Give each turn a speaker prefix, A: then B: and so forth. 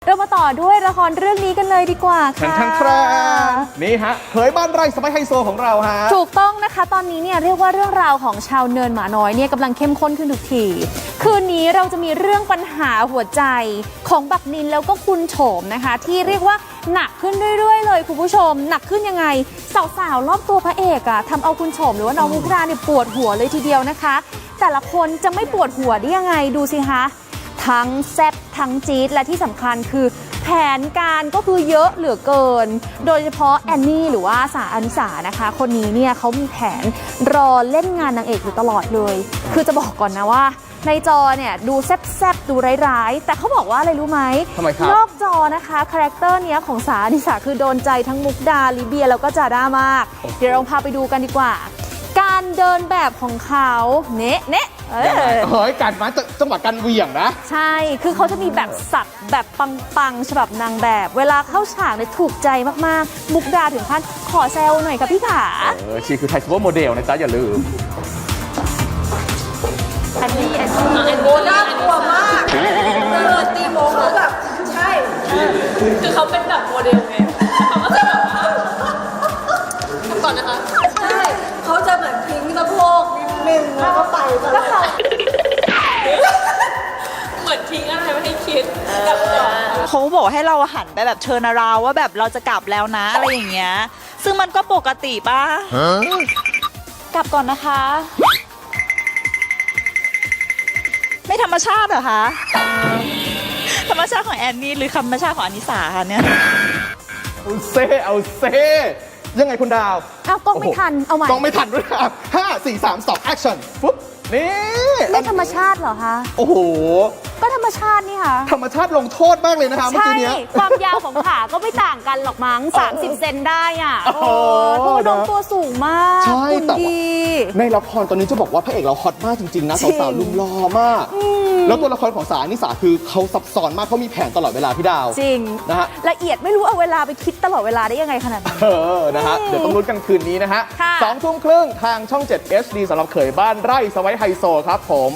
A: เรามาต่อด้วยละครเรื่องนี้กันเลยดีกว่าค่ะ
B: ครับนี่ฮะเผยบ้านไร่สไปไฮโซของเราฮะ
A: ถูกต้องนะคะตอนนี้เนี่ยเรียกว่าเรื่องราวของชาวเนินหมาน้อยเนี่ยกำลังเข้มข้นขึ้นทุกทีคืนนี้เราจะมีเรื่องปัญหาหัวใจของบักนินแล้วก็คุณโฉมนะคะที่เรียกว่าหนักขึ้นเรื่อยๆเลยคุณผู้ชมหนักขึ้นยังไงสาวๆรอบตัวพระเอกอะทำเอาคุณโฉมหรือว่าน้องมุกดาเนี่ยปวดหัวเลยทีเดียวนะคะแต่ละคนจะไม่ปวดหัวได้ยังไงดูสิคะทั้งแซ่บทั้งจี๊ดและที่สำคัญคือแผนการก็คือเยอะเหลือเกินโดยเฉพาะแอนนี่หรือว่าสาอนิสานะคะคนนี้เนี่ยเขามีแผนรอเล่นงานนางเอกอยู่ตลอดเลยคือจะบอกก่อนนะว่าในจอเนี่ยดูแซ่บๆดูร้ายๆแต่เขาบอกว่าอะไรรู้ไหม
B: ทำไมครับ
A: นอกจอนะคะคาแรคเตอร์เนี้ยของสาอนิสาคือโดนใจทั้งมุกดาลิเบียแล้วก็จาด้ามากเดี๋ยวเราพาไปดูกันดีกว่าการเดินแบบของเขาเนะ
B: เฮ้ยการมาจังหวะการเหวี่ยงนะ
A: ใช่คือเขาจะมีแบบสับแบบปังๆฉบับนางแบบเวลาเข้าฉากเนี่ยถูกใจมากๆมุกดาถึงขั้นขอแซวหน่อยค่ะพี่ขา
B: ชีคือไทยซูเปอร์โมเดลนะจ๊ะอย่าลืม
A: อันนี้
C: โมน่ากลัวมากตีโมเขาแบบใช่คือเขาเป็นแบบโมเดลไงเขาก็จะแบบว่าก่อนนะคะใช่เขาจะเหมือนพิงสะโพกนิดนึงแล้วก็ไปแล้วเขาเหมือนทิ้งอะไรไม่ให้คิด
D: เขาบอกให้เราหันไปแบบเชิญราวว่าแบบเราจะกลับแล้วนะอะไรอย่างเงี้ยซึ่งมันก็ปกติป่ะกลับก่อนนะคะไม่ธรรมชาติเหรอคะธรรมชาติของแอนนี่หรือธรรมชาติของอนิสาคะเนี่ย
B: เอาเซ่ยังไงคุณดาว
A: เอากล้องไม่ทันเอาใหม่
B: กล้องไม่ทันด้วยครับ5 4 3 2 action ปุ๊บนี่
A: ไม่ธรรมชาติเหรอคะ
B: โอ้โห
A: ก็ธรรมชาตินี่ค่ะ
B: ธรรมชาติลงโทษมากเลยนะคะเมื่อกี้นี้
A: ความยาวของขาก็ไม่ต่างกันหรอกมั้ง30 เซนได้อ่ะโอ้โหน้องตัวสูงมาก
B: ใช่แต่
A: ดี
B: ในละครตอนนี้จะบอกว่าพระเอกเราฮอตมากจริงๆนะสาวๆลุมล้อมากแล้วตัวละครของสาอนิสาคือเขาซับซ้อนมากเขามีแผนตลอดเวลาพี่ดาว
A: จริง
B: นะฮะ
A: ละเอียดไม่รู้เอาเวลาไปคิดตลอดเวลาได้ยังไงขนาดนั้น
B: นะฮะเดี๋ยวต้องลุ้นกันคืนนี้นะฮะ2 ทุ่มครึ่งทางช่อง 7 HD สำหรับเขยบ้านไร่สไปไฮโซครับผม